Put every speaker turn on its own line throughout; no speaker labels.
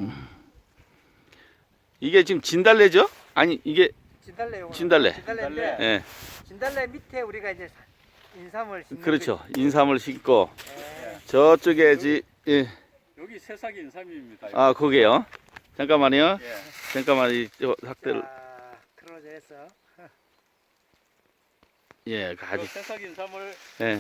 이게 지금 진달래죠? 아니 이게
진달래요.
진달래.
진달래인데
예,
진달래 밑에 우리가 이제 인삼을 심는
그렇죠.
거지.
인삼을 심고
네.
저쪽에 예,
여기 새싹 인삼입니다.
아 거기요. 잠깐만요.
예.
잠깐만 이 학대를
자, 크로즈 해서
예,
그
아주
새싹 인삼을
예,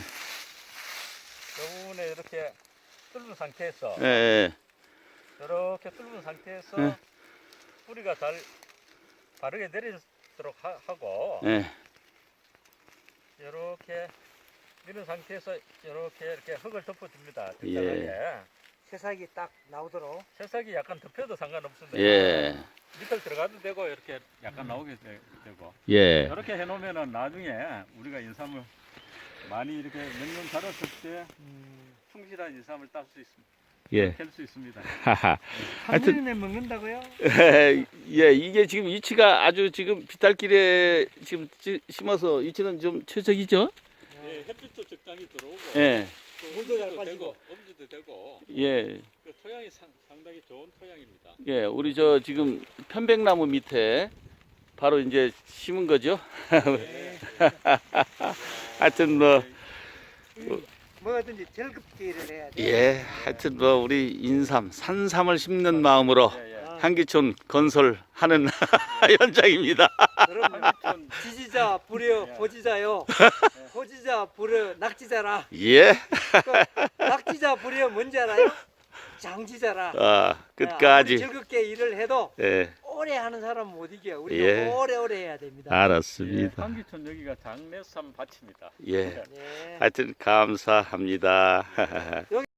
요 부분에 이렇게 뚫은 상태에서
예, 예.
이렇게 뚫은 상태에서
네.
뿌리가 잘 바르게 내리도록 하고
예.
이렇게 이런 상태에서 이렇게 흙을 덮어줍니다.
예.
적당하게.
새싹이 딱 나오도록.
새싹이 약간 덮여도 상관없습니다.
예.
밑을 들어가도 되고 이렇게 약간 나오게 되고
예.
이렇게 해놓으면은 나중에 우리가 인삼을 많이 이렇게 몇 년 자랐을 때 충실한 인삼을 딸 수 있습니다.
예.
캘 수 있습니다.
하하.
한
하여튼-
년에 먹는다고요?
예, 이게 지금 위치가 아주 지금 비탈길에 지금 심어서 위치는 좀 최적이죠?
예, 햇빛도 적당히 들어오고
예.
또
물도 잘
엄지도
빠지고.
되고 엄지도 되고
예.
그 토양이 상당히 좋은 토양입니다.
예, 우리 저 지금 편백나무 밑에 바로 이제 심은 거죠? 하여튼 뭐,
뭐든지 즐겁게 일을 해야 돼.
예, 하여튼 뭐 우리 인삼, 산삼을 심는 마음으로
예, 예.
한기촌 건설하는 현장입니다.
여러분
한기촌
지지자 부려 보지자요. 보지자 부려 낙지자라.
예,
그 낙지자 부려 뭔지 알아요? 장지자라.
아,
아무리
끝까지.
즐겁게 일을 해도
예,
오래 하는 사람은 못 이겨. 우리도
예.
오래오래 해야 됩니다.
예,
알았습니다.
한기촌 여기가 장례삼 밭입니다.
예,
네.
하여튼 감사합니다.